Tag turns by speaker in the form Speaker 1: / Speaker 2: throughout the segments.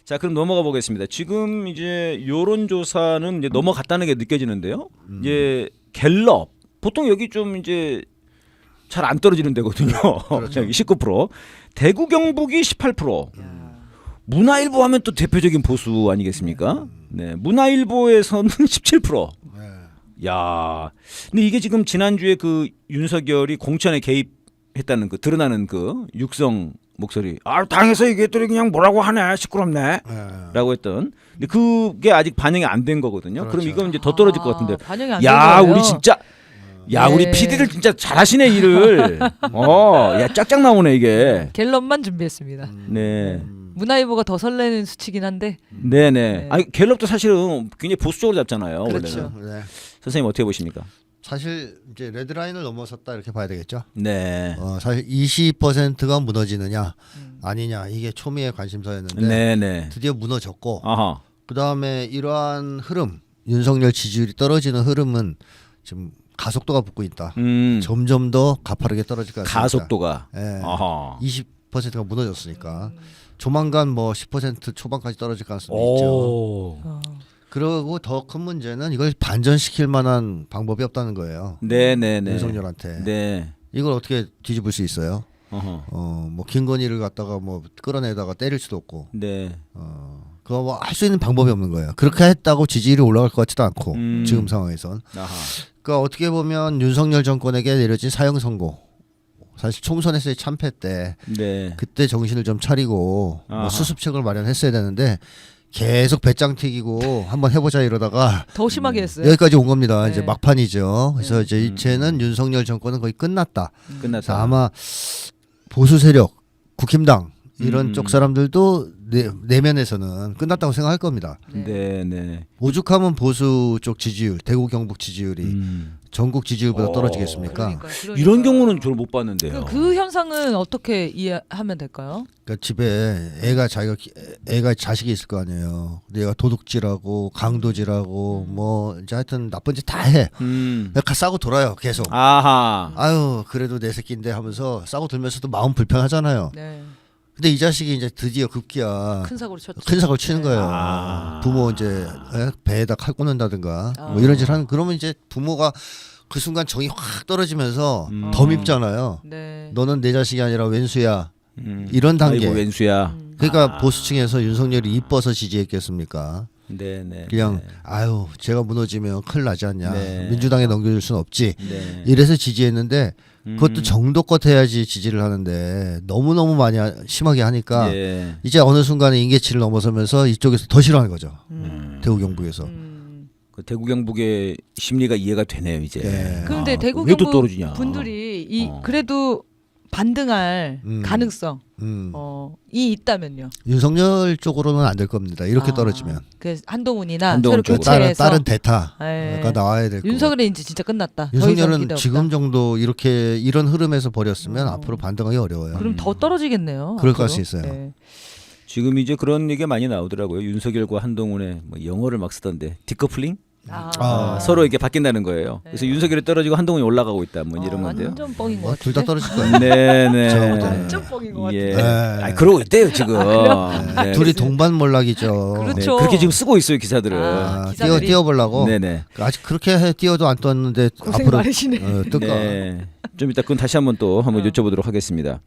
Speaker 1: 자, 그럼 넘어가 보겠습니다. 지금 이제 여론조사는 이제 넘어갔다는 게 느껴지는데요. 이제 갤럽 보통 여기 좀 이제 잘 안 떨어지는 데거든요.
Speaker 2: 그렇죠.
Speaker 1: 여기 19%, 대구 경북이 18%. 문화일보 하면 또 대표적인 보수 아니겠습니까? 네, 문화일보에서는 17%.
Speaker 2: 네.
Speaker 1: 야, 근데 이게 지금 지난주에 그 윤석열이 공천에 개입했다는 그 드러나는 그 육성 목소리. 아, 당에서 이게 또 그냥 뭐라고 하네, 시끄럽네.
Speaker 2: 네.
Speaker 1: 라고 했던. 근데 그게 아직 반영이 안 된 거거든요. 그럼
Speaker 2: 그렇죠.
Speaker 1: 이건 이제 더 떨어질 것 같은데.
Speaker 3: 반영이 안 된
Speaker 1: 야,
Speaker 3: 거예요.
Speaker 1: 우리 진짜. 야,
Speaker 3: 네.
Speaker 1: 우리 PD들 진짜 잘하시네 일을. 야, 짝짝 나오네 이게.
Speaker 3: 갤럽만 준비했습니다.
Speaker 1: 네.
Speaker 3: 문화일보가 더 설레는 수치긴 한데.
Speaker 1: 네네.
Speaker 3: 네.
Speaker 1: 아니 갤럽도 사실은 굉장히 보수적으로 잡잖아요.
Speaker 3: 그렇죠.
Speaker 1: 원래는.
Speaker 2: 네.
Speaker 1: 선생님 어떻게 보십니까?
Speaker 2: 사실 이제 레드라인을 넘어섰다 이렇게 봐야 되겠죠.
Speaker 1: 네.
Speaker 2: 사실 20%가 무너지느냐 아니냐 이게 초미의 관심사였는데
Speaker 1: 네네.
Speaker 2: 드디어 무너졌고
Speaker 1: 아하.
Speaker 2: 그 다음에 이러한 흐름 윤석열 지지율이 떨어지는 흐름은 지금 가속도가 붙고 있다. 점점 더 가파르게 떨어질 것 같습니다.
Speaker 1: 가속도가.
Speaker 2: 예.
Speaker 1: 아하.
Speaker 2: 20%가 무너졌으니까 조만간 뭐 10% 초반까지 떨어질 가능성이 있죠.
Speaker 1: 오.
Speaker 2: 그리고 더 큰 문제는 이걸 반전시킬 만한 방법이 없다는 거예요.
Speaker 1: 네네네.
Speaker 2: 윤석열한테.
Speaker 1: 네.
Speaker 2: 이걸 어떻게 뒤집을 수 있어요?
Speaker 1: 어허.
Speaker 2: 뭐 김건희를 갖다가 뭐 끌어내다가 때릴 수도 없고,
Speaker 1: 네.
Speaker 2: 그거 뭐 할 수 있는 방법이 없는 거예요. 그렇게 했다고 지지율이 올라갈 것 같지도 않고 지금 상황에선.
Speaker 1: 아하.
Speaker 2: 그러니까 어떻게 보면 윤석열 정권에게 내려진 사형 선고. 사실 총선에서의 참패 때
Speaker 1: 네.
Speaker 2: 그때 정신을 좀 차리고
Speaker 1: 아하.
Speaker 2: 뭐 수습책을 마련했어야 되는데 계속 배짱 튀기고 한번 해보자 이러다가
Speaker 3: 더 심하게 했어요.
Speaker 2: 여기까지 온 겁니다.
Speaker 3: 네.
Speaker 2: 이제 막판이죠. 그래서 이제 이제는 윤석열 정권은 거의 끝났다. 그래서
Speaker 1: 끝났다.
Speaker 2: 아마 보수 세력, 국힘당 이런 쪽 사람들도 내면에서는 끝났다고 생각할 겁니다.
Speaker 1: 네네.
Speaker 2: 오죽하면 보수 쪽 지지율, 대구 경북 지지율이 전국 지지율보다 떨어지겠습니까?
Speaker 3: 그러니까.
Speaker 1: 이런 경우는 저를 못 봤는데요.
Speaker 3: 그 현상은 어떻게 이해하면 될까요?
Speaker 2: 그러니까 집에 애가 자식이 있을 거 아니에요. 근데 얘가 도둑질하고 강도질하고 뭐 이제 하여튼 나쁜 짓 다 해. 그러니까 싸고 돌아요 계속.
Speaker 1: 아하.
Speaker 2: 아유 그래도 내 새끼인데 하면서 싸고 돌면서도 마음 불편하잖아요.
Speaker 3: 네.
Speaker 2: 근데 이 자식이 이제 드디어 급기야
Speaker 3: 큰 사고를 쳤죠.
Speaker 2: 큰 사고를 치는 거예요.
Speaker 1: 아.
Speaker 2: 부모 이제 배에다 칼 꽂는다든가 뭐 이런 짓 하는 그러면 이제 부모가 그 순간 정이 확 떨어지면서 더 밉잖아요.
Speaker 3: 네.
Speaker 2: 너는 내 자식이 아니라 왼수야. 이런 단계.
Speaker 1: 아이고 왼수야.
Speaker 2: 그러니까 보수층에서 윤석열이 이뻐서 지지했겠습니까?
Speaker 1: 네네.
Speaker 2: 그냥 아유 제가 무너지면 큰일 나지 않냐.
Speaker 1: 네.
Speaker 2: 민주당에 넘겨줄 수는 없지.
Speaker 1: 네.
Speaker 2: 이래서 지지했는데 그것도 정도껏 해야지 지지를 하는데 너무너무 많이 심하게 하니까
Speaker 1: 예.
Speaker 2: 이제 어느 순간에 임계치를 넘어서면서 이쪽에서 더 싫어하는 거죠. 대구 경북에서.
Speaker 1: 그 대구 경북의 심리가 이해가 되네요 이제.
Speaker 2: 네.
Speaker 3: 그런데 대구
Speaker 1: 왜또
Speaker 3: 경북
Speaker 1: 떨어지냐?
Speaker 3: 분들이 그래도 반등할 가능성 이 있다면요.
Speaker 2: 윤석열 쪽으로는 안 될 겁니다. 이렇게
Speaker 3: 아,
Speaker 2: 떨어지면.
Speaker 3: 그 한동훈이나
Speaker 1: 한동훈
Speaker 3: 새로
Speaker 1: 쪽으로.
Speaker 3: 교체해서
Speaker 2: 다른 대타가
Speaker 3: 네.
Speaker 2: 나와야 될 거고.
Speaker 3: 윤석열은 이제 진짜 끝났다. 더 이상
Speaker 2: 윤석열은
Speaker 3: 기대 없다.
Speaker 2: 지금 정도 이렇게 이런 흐름에서 버렸으면 앞으로 반등하기 어려워요.
Speaker 3: 그럼 더 떨어지겠네요.
Speaker 2: 그럴 것
Speaker 3: 앞으로.
Speaker 2: 수 있어요.
Speaker 3: 네.
Speaker 1: 지금 이제 그런 얘기가 많이 나오더라고요. 윤석열과 한동훈의 뭐 영어를 막 쓰던데 디커플링. 서로 이게 바뀐다는 거예요. 그래서 윤석열이 떨어지고 한동훈이 올라가고 있다. 뭐 이런 건데요.
Speaker 3: 완전 뻥인 것
Speaker 2: 뭐
Speaker 3: 같은데.
Speaker 2: 둘 다 떨어질 거예요.
Speaker 1: 네네.
Speaker 2: 제가 볼 때는.
Speaker 3: 완전 뻥인 것
Speaker 1: 예.
Speaker 3: 같은데.
Speaker 1: 아니, 그러고 있대요 지금. 네.
Speaker 2: 둘이 동반몰락이죠.
Speaker 3: 그렇죠.
Speaker 1: 그렇게 지금 쓰고 있어요 기사들은.
Speaker 3: 기사들이.
Speaker 2: 띄워보려고.
Speaker 1: 네네.
Speaker 2: 아직 그렇게 띄워도 안 떴는데
Speaker 3: 고생
Speaker 2: 앞으로
Speaker 3: 많으시네.
Speaker 2: 뜰까.
Speaker 1: 네. 좀 이따 그건 다시 한번 또 한번 여쭤보도록 하겠습니다.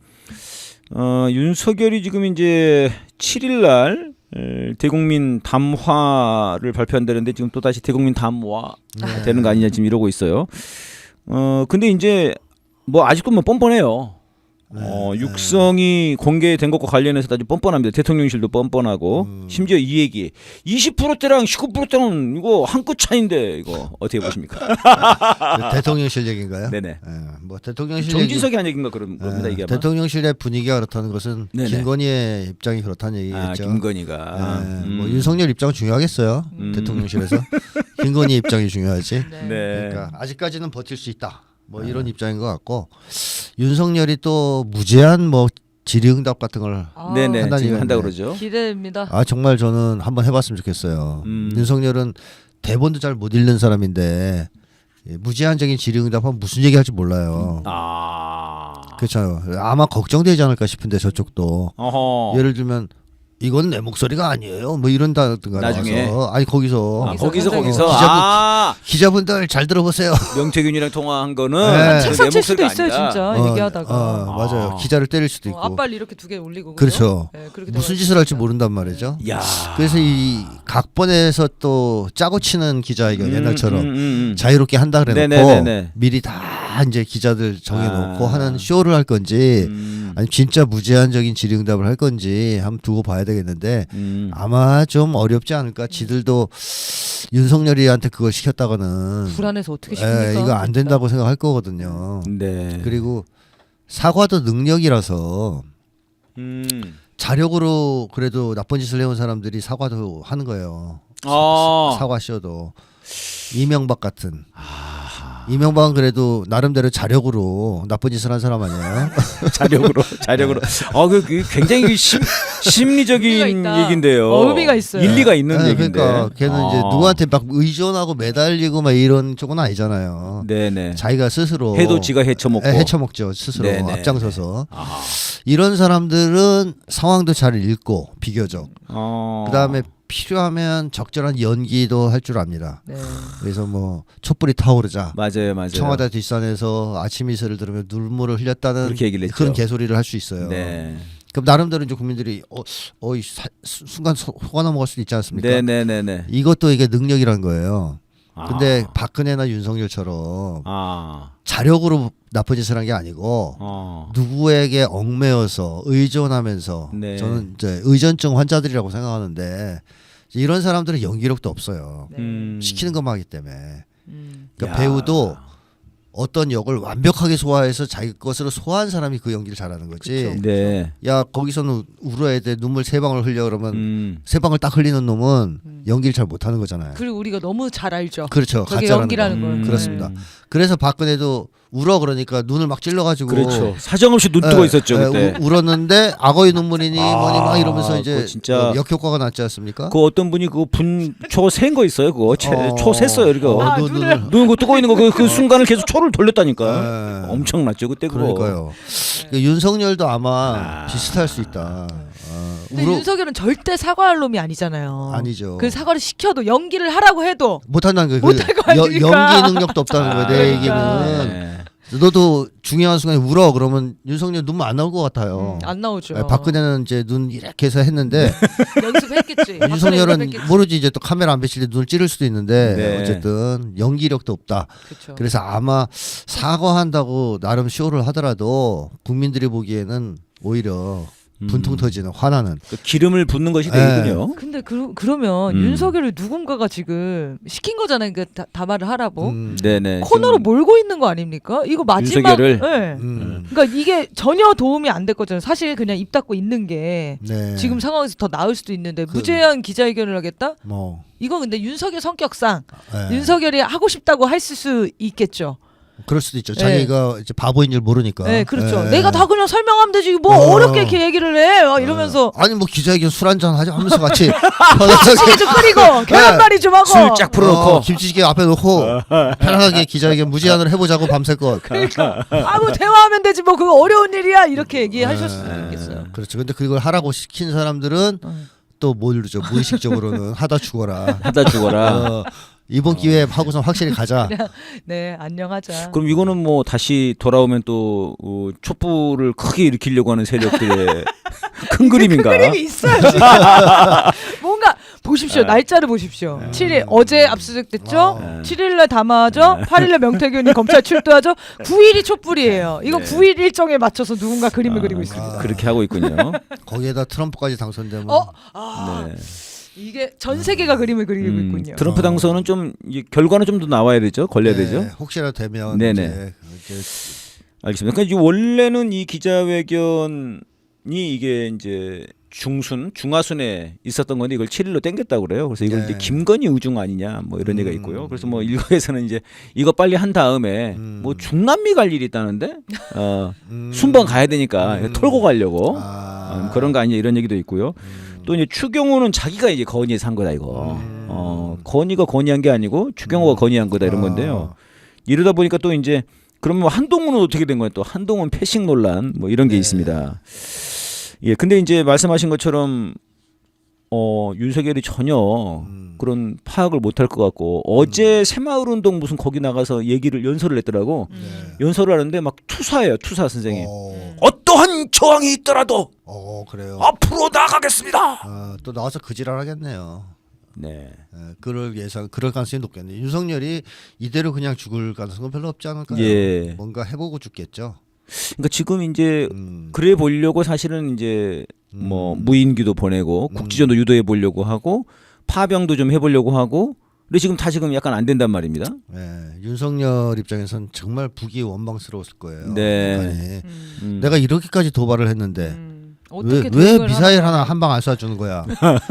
Speaker 1: 윤석열이 지금 이제 7일 날 대국민 담화를 발표한다는데 지금 또 다시 대국민 담화 되는 거 아니냐 지금 이러고 있어요. 근데 이제 뭐 아직도 뭐 뻔뻔해요. 육성이 공개된 것과 관련해서 아주 뻔뻔합니다. 대통령실도 뻔뻔하고 심지어 이 얘기 20%대랑 19%대는 이거 한 끗 차인데 이거 어떻게 보십니까?
Speaker 2: 대통령실 얘기인가요?
Speaker 1: 네네.
Speaker 2: 예, 뭐 대통령실
Speaker 1: 정진석이 한 얘기인가 그런 겁니다 이게 아마.
Speaker 2: 대통령실의 분위기가 그렇다는 것은
Speaker 1: 네네.
Speaker 2: 김건희의 입장이 그렇다는 얘기겠죠.
Speaker 1: 김건희가.
Speaker 2: 뭐 윤석열 입장은 중요하겠어요. 대통령실에서 김건희 입장이 중요하지.
Speaker 3: 네.
Speaker 1: 네.
Speaker 2: 그러니까 아직까지는 버틸 수 있다. 뭐 이런 입장인 것 같고 윤석열이 또 무제한 뭐 질의응답 같은 걸
Speaker 1: 네네
Speaker 2: 한다는
Speaker 1: 지금 한다
Speaker 2: 얘기인데.
Speaker 1: 그러죠.
Speaker 3: 기대됩니다.
Speaker 2: 정말 저는 한번 해봤으면 좋겠어요. 윤석열은 대본도 잘 못 읽는 사람인데 무제한적인 질의응답하면 무슨 얘기할지 몰라요.
Speaker 1: 아.
Speaker 2: 그렇죠. 아마 걱정되지 않을까 싶은데 저쪽도
Speaker 1: 어허.
Speaker 2: 예를 들면 이건 내 목소리가 아니에요. 뭐 이런다든가
Speaker 1: 나중에.
Speaker 2: 나와서 아니 거기서
Speaker 1: 거기서
Speaker 2: 기자분들 잘 들어보세요.
Speaker 1: 명태균이랑 통화한 거는
Speaker 2: 네.
Speaker 1: 내
Speaker 3: 책상 칠 수도
Speaker 1: 목소리가
Speaker 3: 있어요,
Speaker 1: 아니다.
Speaker 3: 진짜 얘기하다가.
Speaker 2: 맞아요. 기자를 때릴 수도 있고.
Speaker 3: 앞발 이렇게 두 개 올리고.
Speaker 2: 그렇죠.
Speaker 3: 네, 그렇게
Speaker 2: 무슨
Speaker 3: 돼가지고
Speaker 2: 짓을 할지
Speaker 3: 진짜.
Speaker 2: 모른단 말이죠.
Speaker 1: 야.
Speaker 2: 그래서 이 각본에서 또 짜고 치는 기자회견 옛날처럼 자유롭게 한다 그래놓고
Speaker 1: 네네네네.
Speaker 2: 미리 다 이제 기자들 정해놓고 하는 쇼를 할 건지 아니 진짜 무제한적인 질의응답을 할 건지 한번 두고 봐야 되겠는데 아마 좀 어렵지 않을까. 지들도 윤석열이한테 그걸 시켰다가는
Speaker 3: 불안해서 어떻게 시킵니까?
Speaker 2: 이거 안 된다고 생각할 거거든요.
Speaker 1: 네.
Speaker 2: 그리고 사과도 능력이라서 자력으로 그래도 나쁜 짓을 해온 사람들이 사과도 하는 거예요. 사과 쇼도 이명박 같은. 이명박은 그래도 나름대로 자력으로 나쁜 짓을 한 사람 아니에요?
Speaker 1: 자력으로. 그 굉장히 심리적인
Speaker 3: 의미가 있다.
Speaker 1: 얘긴데요.
Speaker 3: 의미가 있어요.
Speaker 1: 일리가 있는
Speaker 2: 네,
Speaker 1: 얘긴데.
Speaker 2: 그러니까 걔는 이제 누구한테 막 의존하고 매달리고 막 이런 쪽은 아니잖아요.
Speaker 1: 네네.
Speaker 2: 자기가 스스로
Speaker 1: 해도 지가 헤쳐먹고.
Speaker 2: 헤쳐먹죠. 스스로
Speaker 1: 네네.
Speaker 2: 앞장서서. 이런 사람들은 상황도 잘 읽고 비교적. 그다음에 필요하면 적절한 연기도 할 줄 압니다.
Speaker 3: 네.
Speaker 2: 그래서 뭐 촛불이 타오르자
Speaker 1: 맞아요.
Speaker 2: 청와대 뒷산에서 아침 이슬을 들으며 눈물을 흘렸다는
Speaker 1: 그렇게 얘기를 했죠.
Speaker 2: 그런 개소리를 할 수 있어요.
Speaker 1: 네.
Speaker 2: 그럼 나름대로 이제 국민들이 순간 속아 넘어갈 수도 있지 않습니까?
Speaker 1: 네네네네.
Speaker 2: 이것도 이게 능력이라는 거예요. 근데 박근혜나 윤석열처럼 자력으로 나쁜 짓을 한 게 아니고 누구에게 얽매여서 의존하면서
Speaker 1: 네.
Speaker 2: 저는 이제 의존증 환자들이라고 생각하는데 이런 사람들은 연기력도 없어요.
Speaker 3: 네.
Speaker 2: 시키는 것만 하기 때문에. 그러니까
Speaker 1: 야.
Speaker 2: 배우도 어떤 역을 완벽하게 소화해서 자기 것으로 소화한 사람이 그 연기를 잘하는 거지.
Speaker 3: 그쵸.
Speaker 1: 네.
Speaker 2: 야 거기서는 울어야 돼. 눈물 3방울 흘려 그러면 3방울 딱 흘리는 놈은 연기를 잘 못하는 거잖아요.
Speaker 3: 그리고 우리가 너무 잘 알죠.
Speaker 2: 그렇죠.
Speaker 3: 저게
Speaker 2: 가짜라는
Speaker 3: 연기라는
Speaker 2: 거.
Speaker 3: 걸.
Speaker 2: 그렇습니다. 그래서 박근혜도 울어 그러니까 눈을 막 찔러가지고
Speaker 1: 그렇죠. 사정없이 눈 뜨고 있었죠 그때.
Speaker 2: 울었는데 악어의 눈물이니 뭐니 막 이러면서 이제
Speaker 1: 그거 진짜
Speaker 2: 역효과가 났지 않습니까?
Speaker 1: 그 어떤 분이 그거 분초 센 거 있어요. 그거 초 셌어요. 이거
Speaker 3: 눈을.
Speaker 1: 눈 그거 뜨고 있는 거 그 순간을 계속 초를 돌렸다니까.
Speaker 2: 네.
Speaker 1: 엄청났죠 그때 그거.
Speaker 2: 그러니까요. 그 윤석열도 아마 비슷할 수 있다.
Speaker 3: 근데 윤석열은 절대 사과할 놈이 아니잖아요.
Speaker 2: 아니죠.
Speaker 3: 그 사과를 시켜도 연기를 하라고 해도
Speaker 2: 못한다는 거.
Speaker 3: 못할 거 아닙니까?
Speaker 2: 연기 능력도 없다는 거예요. 내
Speaker 3: 그러니까.
Speaker 2: 얘기는.
Speaker 1: 네.
Speaker 2: 너도 중요한 순간에 울어 그러면 윤석열 눈물 안 나올 것 같아요.
Speaker 3: 안 나오죠.
Speaker 2: 박근혜는 이제 눈 이렇게 해서 했는데
Speaker 3: 연습했겠지.
Speaker 2: 윤석열은
Speaker 3: 연습했겠지.
Speaker 2: 모르지 이제 또 카메라 안 비칠 때 눈을 찌를 수도 있는데
Speaker 1: 네.
Speaker 2: 어쨌든 연기력도 없다.
Speaker 3: 그쵸.
Speaker 2: 그래서 아마 사과한다고 나름 쇼를 하더라도 국민들이 보기에는 오히려 분통 터지는 화나는.
Speaker 1: 그 기름을 붓는 것이 되군요.
Speaker 3: 근데 그러면 윤석열을 누군가가 지금 시킨 거잖아요. 그 담화를 하라고.
Speaker 1: 네네.
Speaker 3: 코너로
Speaker 1: 지금
Speaker 3: 몰고 있는 거 아닙니까? 이거 마지막.
Speaker 1: 윤석열을?
Speaker 3: 네. 그러니까 이게 전혀 도움이 안 됐거든요. 사실 그냥 입 닫고 있는 게
Speaker 2: 네.
Speaker 3: 지금 상황에서 더 나을 수도 있는데 무제한 기자회견을 하겠다?
Speaker 2: 뭐
Speaker 3: 이건 근데 윤석열 성격상
Speaker 2: 네.
Speaker 3: 윤석열이 하고 싶다고 했을 수 있겠죠.
Speaker 2: 그럴 수도 있죠.
Speaker 3: 네.
Speaker 2: 자기가 이제 바보인 줄 모르니까.
Speaker 3: 네, 그렇죠.
Speaker 2: 네.
Speaker 3: 내가 다 그냥 설명하면 되지. 뭐 어렵게 이렇게 얘기를 해. 막 이러면서
Speaker 2: 아니 뭐 기자회견 술 한잔 하자 하면서 같이 편하게
Speaker 3: 김치찌개 좀 끓이고 계란말이 좀 하고.
Speaker 1: 술 쫙 풀어놓고
Speaker 2: 김치찌개 앞에 놓고 편하게 기자회견 무제한으로 해보자고 밤새껏.
Speaker 3: 그러니까 아뭐 대화하면 되지 뭐 그거 어려운 일이야 이렇게 얘기하실 수도 있겠어요.
Speaker 2: 그렇죠. 근데 그걸 하라고 시킨 사람들은 또 모르죠. 무의식적으로는 하다 죽어라.
Speaker 1: 하다 죽어라.
Speaker 2: 이번 기회에 하고선 확실히 가자.
Speaker 3: 네, 안녕하자.
Speaker 1: 그럼 이거는 뭐 다시 돌아오면 또 촛불을 크게 일으키려고 하는 세력들의 큰 그림인가?
Speaker 3: 큰 그림이 있어요 지금. 뭔가 보십시오. 날짜를 보십시오. 7일 어제 압수수색됐죠. 7일날 담화하죠. 8일날 명태균이 검찰 출두하죠. 9일이 촛불이에요. 이거 9일 일정에 맞춰서 누군가 그림을 그리고 있습니다.
Speaker 1: 그렇게 하고 있군요.
Speaker 2: 거기에다 트럼프까지 당선되면
Speaker 1: 네.
Speaker 3: 이게 전 세계가 그림을 그리고 있군요.
Speaker 1: 트럼프 당선은 좀 결과는 좀 더 나와야 되죠. 걸려야
Speaker 2: 네,
Speaker 1: 되죠.
Speaker 2: 혹시라도 되면
Speaker 1: 네네.
Speaker 2: 이제
Speaker 1: 알겠습니다. 그러니까 원래는 이 기자회견이 이게 이제 중하순에 있었던 건데 이걸 7일로 땡겼다고 그래요. 그래서 이걸
Speaker 2: 네.
Speaker 1: 이제 김건희 우중 아니냐 뭐 이런 얘기가 있고요. 그래서 뭐 일각에서는 이제 이거 빨리 한 다음에 뭐 중남미 갈 일이 있다는데 순방 가야 되니까 털고 가려고 그런 거 아니냐 이런 얘기도 있고요. 또 이제 추경호는 자기가 이제 건의해서 한 거다 이거. 건의가 건의한 게 아니고 추경호가 건의한 거다 이런 건데요. 이러다 보니까 또 이제 그러면 한동훈은 어떻게 된 거예요? 또 한동훈 패싱 논란 뭐 이런 게 있습니다. 예, 근데 이제 말씀하신 것처럼 윤석열이 전혀 그런 파악을 못할 것 같고 어제 새마을운동 무슨 거기 나가서 연설을 했더라고. 연설을 하는데 막 투사예요. 투사 선생님. 어떠한 저항이 있더라도
Speaker 2: 그래요.
Speaker 1: 앞으로 나가겠습니다.
Speaker 2: 또 나와서 그지랄 하겠네요.
Speaker 1: 네.
Speaker 2: 그럴 가능성이 높겠네. 윤석열이 이대로 그냥 죽을 가능성은 별로 없지 않을까요?
Speaker 1: 예.
Speaker 2: 뭔가 해보고 죽겠죠.
Speaker 1: 그러니까 지금 이제 그래 보려고 사실은 이제 뭐 무인기도 보내고 국지전도 유도해 보려고 하고 파병도 좀 해보려고 하고 근데 지금 약간 안 된단 말입니다.
Speaker 2: 윤석열 입장에선 정말 북이 원망스러웠을 거예요.
Speaker 1: 네.
Speaker 2: 내가 이렇게까지 도발을 했는데
Speaker 3: 어떻게
Speaker 2: 왜 미사일 하나 한 방 안 쏴주는 거야?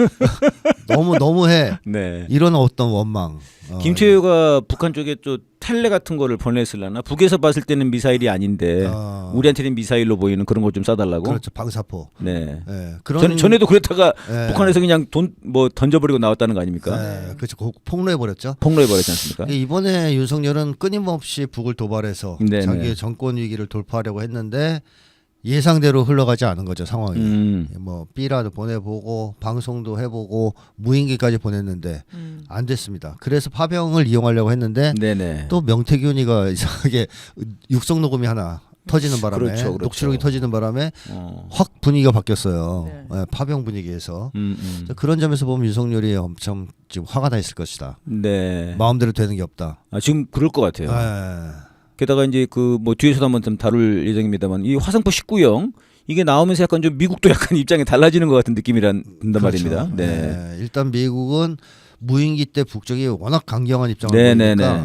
Speaker 2: 너무해.
Speaker 1: 네.
Speaker 2: 이런 어떤 원망.
Speaker 1: 김태효가 북한 쪽에 또 텔레 같은 거를 보냈을라나 북에서 봤을 때는 미사일이 아닌데 우리한테는 미사일로 보이는 그런 걸 좀 쏴달라고.
Speaker 2: 그렇죠. 방사포.
Speaker 1: 네.
Speaker 2: 그런
Speaker 1: 전에도 그랬다가 북한에서 그냥 돈 뭐 던져버리고 나왔다는 거 아닙니까?
Speaker 2: 그렇죠. 폭로해 버렸죠.
Speaker 1: 폭로해 버렸지 않습니까?
Speaker 2: 이번에 윤석열은 끊임없이 북을 도발해서
Speaker 1: 네네.
Speaker 2: 자기의 정권 위기를 돌파하려고 했는데 예상대로 흘러가지 않은 거죠 상황이. 뭐 B라도 보내보고 방송도 해보고 무인기까지 보냈는데 안 됐습니다. 그래서 파병을 이용하려고 했는데
Speaker 1: 네네.
Speaker 2: 또 명태균이가 이상하게 육성 녹음이 하나 터지는 바람에
Speaker 1: 그렇죠.
Speaker 2: 녹취록이 터지는 바람에 확 분위기가 바뀌었어요.
Speaker 3: 네.
Speaker 2: 파병 분위기에서. 그런 점에서 보면 윤석열이 엄청 지금 화가 나 있을 것이다.
Speaker 1: 네.
Speaker 2: 마음대로 되는 게 없다.
Speaker 1: 지금 그럴 것 같아요. 게다가 이제 그 뭐 뒤에서도 한번 좀 다룰 예정입니다만 이 화성포 19형 이게 나오면서 약간 좀 미국도 약간 입장이 달라지는 것 같은 느낌이란
Speaker 2: 그렇죠.
Speaker 1: 말입니다. 네.
Speaker 2: 일단 미국은 무인기 때 북쪽이 워낙 강경한 입장을 보이니까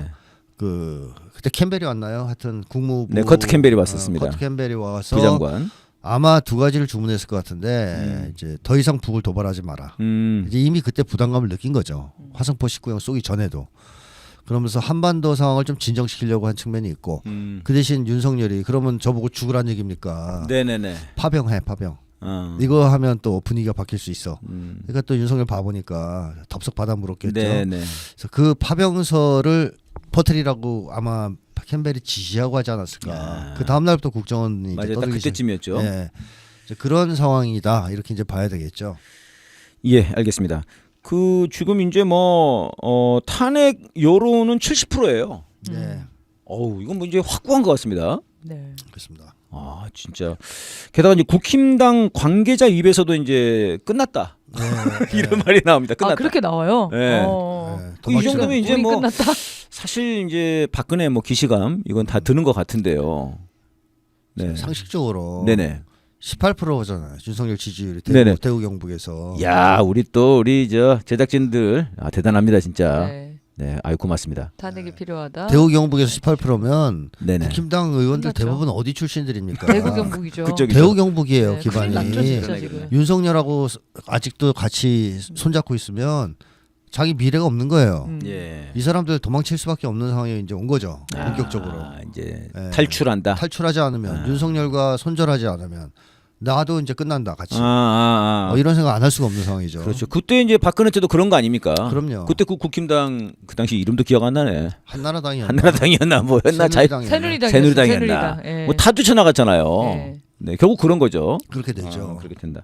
Speaker 2: 그때 캠벨이 왔나요? 하여튼 국무부
Speaker 1: 커트 캠벨이 왔었습니다.
Speaker 2: 커트 캠벨이 와서
Speaker 1: 부장관.
Speaker 2: 아마 두 가지를 주문했을 것 같은데 이제 더 이상 북을 도발하지 마라. 이제 이미 그때 부담감을 느낀 거죠. 화성포 19형 쏘기 전에도. 그러면서 한반도 상황을 좀 진정시키려고 한 측면이 있고 그 대신 윤석열이 그러면 저보고 죽으란 얘기입니까?
Speaker 1: 네네네.
Speaker 2: 파병. 이거 하면 또 분위기가 바뀔 수 있어. 그러니까 또 윤석열 봐보니까 덥석 받아 물었겠죠.
Speaker 1: 네네.
Speaker 2: 그래서 그 파병서를 퍼뜨리라고 아마 캠벨이 지시하고 하지 않았을까. 그 다음 날부터 국정원이
Speaker 1: 맞아요. 딱 그때쯤이었죠.
Speaker 2: 네. 그런 상황이다. 이렇게 이제 봐야 되겠죠.
Speaker 1: 예, 알겠습니다. 그 지금 이제 뭐 탄핵 여론은 70%예요.
Speaker 2: 네.
Speaker 1: 이건 뭐 이제 확고한 것 같습니다.
Speaker 3: 네.
Speaker 2: 그렇습니다.
Speaker 1: 진짜. 게다가 이제 국힘당 관계자 입에서도 이제 끝났다. 이런 말이 나옵니다. 끝났다.
Speaker 3: 그렇게 나와요.
Speaker 1: 네. 이 정도면 이제 뭐
Speaker 3: 끝났다.
Speaker 1: 사실 이제 박근혜 뭐 기시감 이건 다 드는 것 같은데요. 네.
Speaker 2: 상식적으로
Speaker 1: 네네.
Speaker 2: 18%잖아요. 윤석열 지지율이 대구 경북에서.
Speaker 1: 야, 우리 저 제작진들 대단합니다 진짜. 네, 아유 고맙습니다.
Speaker 3: 탄핵이 필요하다.
Speaker 2: 대구 경북에서 18%면
Speaker 1: 네네.
Speaker 2: 국힘당 의원들
Speaker 3: 끝났죠.
Speaker 2: 대부분 어디 출신들입니까?
Speaker 3: 대구 경북이죠.
Speaker 1: 그쪽이죠.
Speaker 2: 대구 경북이에요.
Speaker 3: 네,
Speaker 2: 기반이.
Speaker 3: 큰일 났죠, 진짜 지금.
Speaker 2: 윤석열하고 아직도 같이 손잡고 있으면 자기 미래가 없는 거예요.
Speaker 1: 예.
Speaker 2: 이 사람들 도망칠 수밖에 없는 상황에 이제 온 거죠. 본격적으로.
Speaker 1: 이제
Speaker 2: 네.
Speaker 1: 탈출한다.
Speaker 2: 탈출하지 않으면 윤석열과 손절하지 않으면 나도 이제 끝난다 같이. 이런 생각 안 할 수가 없는 상황이죠.
Speaker 1: 그렇죠. 그때 이제 박근혜 때도 그런 거 아닙니까?
Speaker 2: 그럼요.
Speaker 1: 그때 그 국힘당 그 당시 이름도 기억 안 나네.
Speaker 2: 한나라당이었나
Speaker 1: 뭐였나? 새누리당이었나?
Speaker 3: 예.
Speaker 1: 뭐 다 뛰쳐나갔잖아요.
Speaker 3: 예.
Speaker 1: 네, 결국 그런 거죠.
Speaker 2: 그렇게 되죠.
Speaker 1: 그렇게 된다.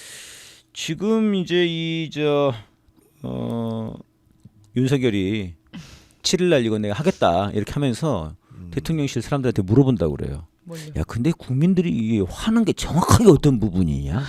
Speaker 1: 지금 이제 윤석열이 7일날 이거 내가 하겠다 이렇게 하면서 대통령실 사람들한테 물어본다고 그래요.
Speaker 3: 뭘요?
Speaker 1: 야, 근데 국민들이 이게 화난 게 정확하게 어떤 부분이냐?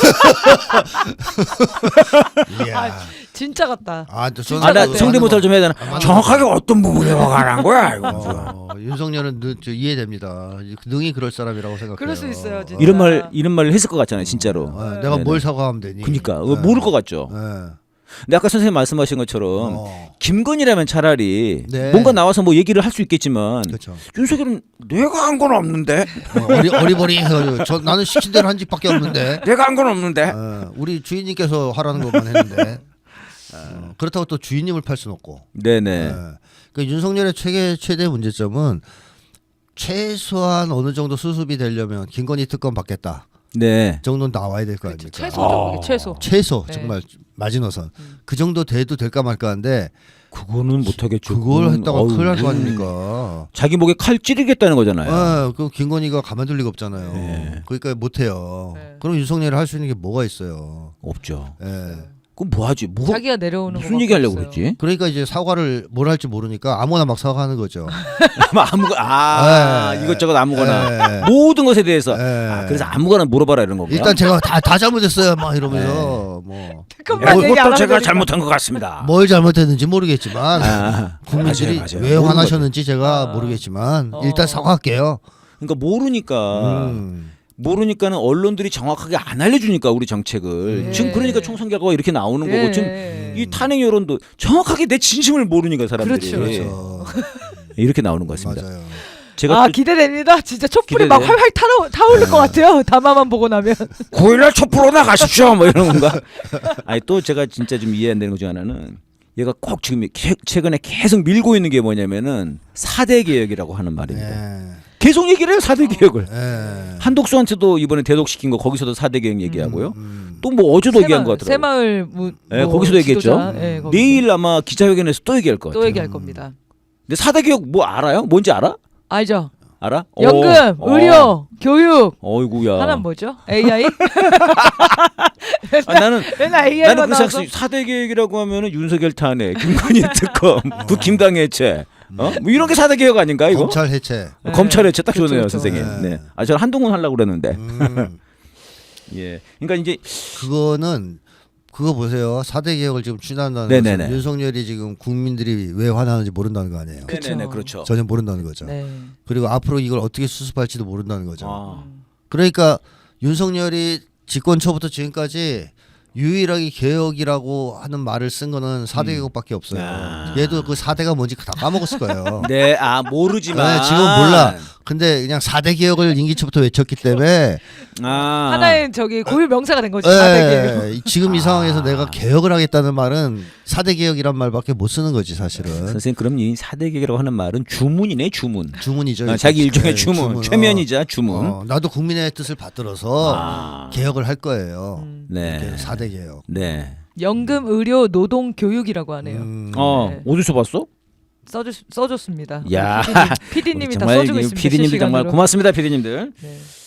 Speaker 3: 진짜 같다.
Speaker 1: 나 성대모사를 좀 해야 되나? 정확하게 어떤 부분에 화가 난 거야?
Speaker 2: 윤석열은 이해됩니다. 능히 그럴 사람이라고 생각해요.
Speaker 3: 그럴 수 있어요, 진짜.
Speaker 1: 이런 말을 했을 것 같잖아요, 진짜로.
Speaker 2: 내가 뭘 사과하면 되니?
Speaker 1: 그러니까 모를 것 같죠. 근데 아까 선생님 말씀하신 것처럼 김건희라면 차라리 뭔가 나와서 뭐 얘기를 할 수 있겠지만
Speaker 2: 그렇죠.
Speaker 1: 윤석열은 내가 한 건 없는데
Speaker 2: 어리버리 나는 시킨 대로 한 짓밖에 없는데
Speaker 1: 내가 한 건 없는데
Speaker 2: 우리 주인님께서 하라는 것만 했는데 그렇다고 또 주인님을 팔 수는 없고.
Speaker 1: 네네.
Speaker 2: 그러니까 윤석열의 최대 문제점은 최소한 어느 정도 수습이 되려면 김건희 특검 받겠다.
Speaker 1: 네.
Speaker 2: 정도는 나와야 될 거 아닙니까?
Speaker 3: 최소죠.
Speaker 2: 최소
Speaker 3: 네.
Speaker 2: 정말 마지노선. 그 정도 돼도 될까 말까 한데
Speaker 1: 그거는 못하겠죠.
Speaker 2: 그걸 했다가 큰일 날 거 아닙니까?
Speaker 1: 자기 목에 칼 찌르겠다는 거잖아요.
Speaker 2: 그 김건희가 가만둘 리가 없잖아요.
Speaker 1: 네.
Speaker 2: 그러니까 못해요.
Speaker 3: 네.
Speaker 2: 그럼 윤석열이 할 수 있는 게 뭐가 있어요?
Speaker 1: 없죠. 그럼 뭐 하지? 뭐
Speaker 3: 자기가 내려오는
Speaker 1: 무슨 얘기 하려고 그랬지?
Speaker 2: 그러니까 이제 사과를 뭘 할지 모르니까 아무나 막 사과하는 거죠.
Speaker 1: 아무거나
Speaker 2: 네.
Speaker 1: 이것저것 아무거나
Speaker 2: 네.
Speaker 1: 모든 것에 대해서
Speaker 2: 네.
Speaker 1: 그래서 아무거나 물어봐라 이런 거구나.
Speaker 2: 일단 제가 다 잘못했어요. 막 이러면서 뭐
Speaker 3: 잠깐만 얘기 안
Speaker 1: 이것도
Speaker 3: 하면
Speaker 1: 제가
Speaker 3: 되니까.
Speaker 1: 잘못한 것 같습니다.
Speaker 2: 뭘 잘못했는지 모르겠지만 국민들이
Speaker 1: 맞아요.
Speaker 2: 왜
Speaker 1: 모르는
Speaker 2: 화나셨는지 제가 모르겠지만 일단 사과할게요.
Speaker 1: 그러니까 모르니까 모르니까는 언론들이 정확하게 안 알려주니까 우리 정책을
Speaker 3: 네.
Speaker 1: 지금 그러니까 총선 결과가 이렇게 나오는
Speaker 3: 네.
Speaker 1: 거고 지금 이 탄핵 여론도 정확하게 내 진심을 모르니까 사람들이
Speaker 3: 그렇죠.
Speaker 1: 이렇게 나오는 것 같습니다.
Speaker 2: 맞아요.
Speaker 1: 제가
Speaker 3: 아
Speaker 1: 또
Speaker 3: 기대됩니다. 진짜 촛불이 막
Speaker 1: 기대돼.
Speaker 3: 활활 타오를 것 같아요. 담화만 보고 나면.
Speaker 1: 9일날 촛불로 나가십시오 뭐 이런 건가? 아니 또 제가 진짜 좀 이해 안 되는 것 중 하나는 얘가 꼭 지금 최근에 계속 밀고 있는 게 뭐냐면은 4대 개혁이라고 하는 말입니다.
Speaker 2: 네.
Speaker 1: 계속 얘기를 해요 4대 개혁을.
Speaker 2: 네.
Speaker 1: 한독수한테도 이번에 대독시킨 거 거기서도 4대 개혁 얘기하고요. 또 뭐 어제도 얘기한 것 같더라고요.
Speaker 3: 새마을
Speaker 1: 네, 거기서도 얘기했죠.
Speaker 3: 네, 거기서.
Speaker 1: 내일 아마 기자회견에서 또 얘기할 것 같아요.
Speaker 3: 또 얘기할 겁니다.
Speaker 1: 근데 4대 개혁 뭐 알아요? 뭔지 알아?
Speaker 3: 알죠?
Speaker 1: 알아?
Speaker 3: 연금, 의료, 교육.
Speaker 1: 어이구야.
Speaker 3: 하나는 뭐죠? AI?
Speaker 1: 나는
Speaker 3: 맨날 AI만
Speaker 1: 나는
Speaker 3: 나와서.
Speaker 1: 그래서 4대 계획이라고 하면은 윤석열 탄핵, 김건희 특검, 국힘당 해체, 뭐 이런 게 4대 개혁 아닌가 이거?
Speaker 2: 검찰 해체.
Speaker 3: 네.
Speaker 1: 검찰 해체 딱
Speaker 3: 그렇죠,
Speaker 1: 좋네요,
Speaker 3: 그렇죠.
Speaker 1: 선생님.
Speaker 2: 네.
Speaker 1: 네. 아, 저는 한동훈 하려고 그랬는데.
Speaker 2: 음.
Speaker 1: 예. 그러니까 이제
Speaker 2: 그거는 그거 보세요. 4대 개혁을 지금 추진한다는
Speaker 1: 네네네.
Speaker 2: 것은 윤석열이 지금 국민들이 왜 화나는지 모른다는 거 아니에요.
Speaker 3: 그쵸.
Speaker 1: 네네네, 그렇죠.
Speaker 2: 전혀 모른다는 거죠.
Speaker 3: 네.
Speaker 2: 그리고 앞으로 이걸 어떻게 수습할지도 모른다는 거죠.
Speaker 1: 아.
Speaker 2: 그러니까 윤석열이 집권 초부터 지금까지 유일하게 개혁이라고 하는 말을 쓴 거는 4대 개혁밖에 없어요.
Speaker 1: 아.
Speaker 2: 얘도 그 4대가 뭔지 다 까먹었을 거예요.
Speaker 1: 네, 아 모르지만
Speaker 2: 네, 지금 몰라. 근데 그냥 4대 개혁을 임기 초부터 외쳤기 때문에
Speaker 1: 아.
Speaker 3: 하나의 저기 고유 명사가 된 거죠. 4대 개혁.
Speaker 2: 지금 이 상황에서 내가 개혁을 하겠다는 말은 4대 개혁이란 말밖에 못 쓰는 거지 사실은.
Speaker 1: 선생님 그럼 이 4대 개혁이라고 하는 말은 주문이네, 주문.
Speaker 2: 주문이죠.
Speaker 1: 아, 자기 일종의
Speaker 2: 네,
Speaker 1: 주문, 최면이자 주문.
Speaker 2: 나도 국민의 뜻을 받들어서
Speaker 1: 아.
Speaker 2: 개혁을 할 거예요.
Speaker 1: 네.
Speaker 2: 이렇게 4대 개혁.
Speaker 1: 네.
Speaker 3: 연금, 의료, 노동, 교육이라고 하네요.
Speaker 1: 어,
Speaker 3: 네.
Speaker 1: 어디서 봤어?
Speaker 3: 써줬습니다.
Speaker 1: 야.
Speaker 3: PD님이 다
Speaker 1: 정말
Speaker 3: 써주고 있습니다.
Speaker 1: PD님들 정말
Speaker 3: 실시간으로.
Speaker 1: 고맙습니다, PD님들.
Speaker 3: 네.